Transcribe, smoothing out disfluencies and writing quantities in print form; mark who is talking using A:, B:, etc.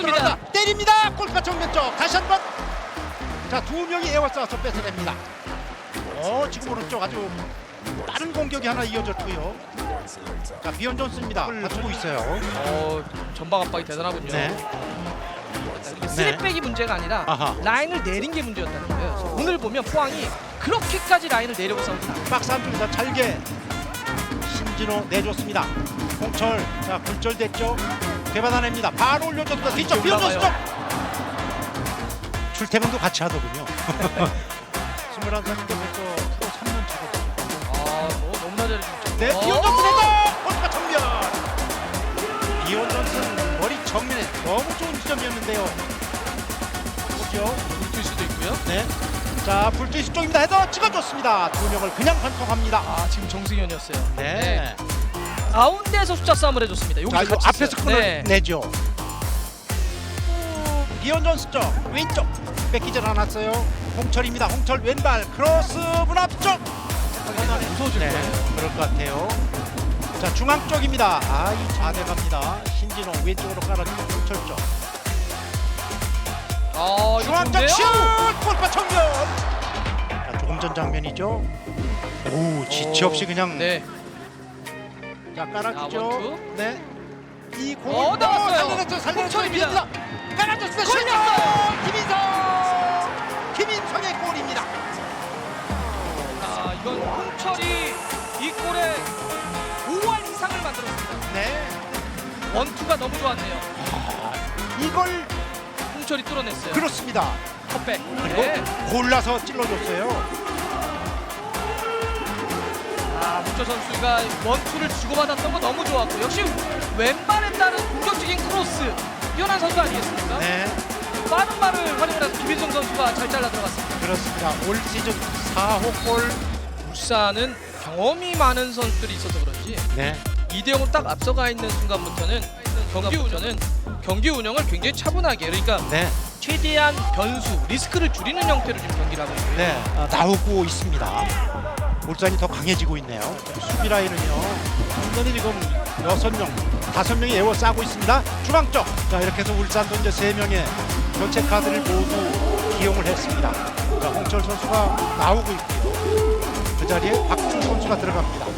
A: 들어간다. 때립니다. 골키퍼 정면 쪽 다시 한번. 자, 두 명이 에워싸서 뺏어냅니다. 지금 오른쪽 아주 빠른 공격이 하나 이어졌고요. 자, 비언 존스입니다. 갖추고 있어요.
B: 전방 압박이 대단하군요.
A: 네.
B: 이게 쓰리백이 문제가 아니라
A: 아하.
B: 라인을 내린 게 문제였다는 거예요. 그래서 오늘 보면 포항이 그렇게까지 라인을 내려고 싸우진 않아요.
A: 박스 안쪽에서 잘게 신진호 내줬습니다. 홍철, 자, 굴절됐죠. 되받아냅니다. 바로 올려줬다. 뒤쪽 비언 존스 쪽. 출퇴근도 같이 하더군요. 21살인데 벌써 프로 3년 차거든요.
B: 너무나 잘해주죠.
A: 네, 비언 존스 내다! 골키퍼 정면! 비언 존스는 머리 정면에 너무 좋은 지점이었는데요. 보죠.
B: 불투일 수도 있고요.
A: 네. 자, 불투이스 쪽입니다. 헤더 찍어줬습니다. 두 명을 그냥 반통합니다.
B: 지금 정승현이었어요.
A: 네.
B: 가운데에서 숫자 싸움을 해줬습니다. 여기
A: 자, 이거
B: 같이
A: 앞에서
B: 있어요.
A: 끊어내죠. 비언 존스 쪽 왼쪽 뺏기질 않았어요. 홍철입니다. 홍철 왼발 크로스 문 앞쪽.
B: 무서워질
A: 네,
B: 거예요.
A: 그럴 것 같아요. 자, 중앙 쪽입니다. 이 좌대 갑니다. 신진호 왼쪽으로 깔아주고 홍철 쪽. 중앙 쪽 슛! 골파 청년. 자, 조금 전 장면이죠. 오, 지체 없이 그냥
B: 네.
A: 자, 깔아주죠.
B: 원투.
A: 네. 이 공을
B: 나왔어요.
A: 살려냈죠.
B: 홍철입니다.
A: 깔아줬습니다. 슛! 김인성의 골입니다.
B: 이건 홍철이 이 골에 5할 이상을 만들었습니다.
A: 네.
B: 원투가 너무 좋았네요.
A: 이걸
B: 홍철이 뚫어냈어요.
A: 그렇습니다.
B: 컵백.
A: 그리고
B: 네.
A: 골라서 찔러줬어요.
B: 문철 선수가 원투를 주고받았던 거 너무 좋았고 역시 왼발에 따른 공격적인 크로스 뛰어난 선수 아니겠습니까?
A: 네.
B: 빠른 발을 활용해서 김인성 선수가 잘 잘라 들어갔습니다.
A: 그렇습니다. 올 시즌 4호 골.
B: 울산은 경험이 많은 선수들이 있어서 그런지
A: 네.
B: 2대0으로 딱 앞서가 있는 순간부터는 경기 운영을 굉장히 차분하게 그러니까
A: 네.
B: 최대한 변수, 리스크를 줄이는 형태로 지금 경기를 하고 있고요.
A: 네. 나오고 있습니다. 울산이 더 강해지고 있네요. 수비 라인은요. 완전히 지금 6명, 5명이 에워싸고 있습니다. 중앙 쪽. 자, 이렇게 해서 울산도 이제 3명의 교체 카드를 모두 기용을 했습니다. 자, 홍철 선수가 나오고 있고요. 그 자리에 박준 선수가 들어갑니다.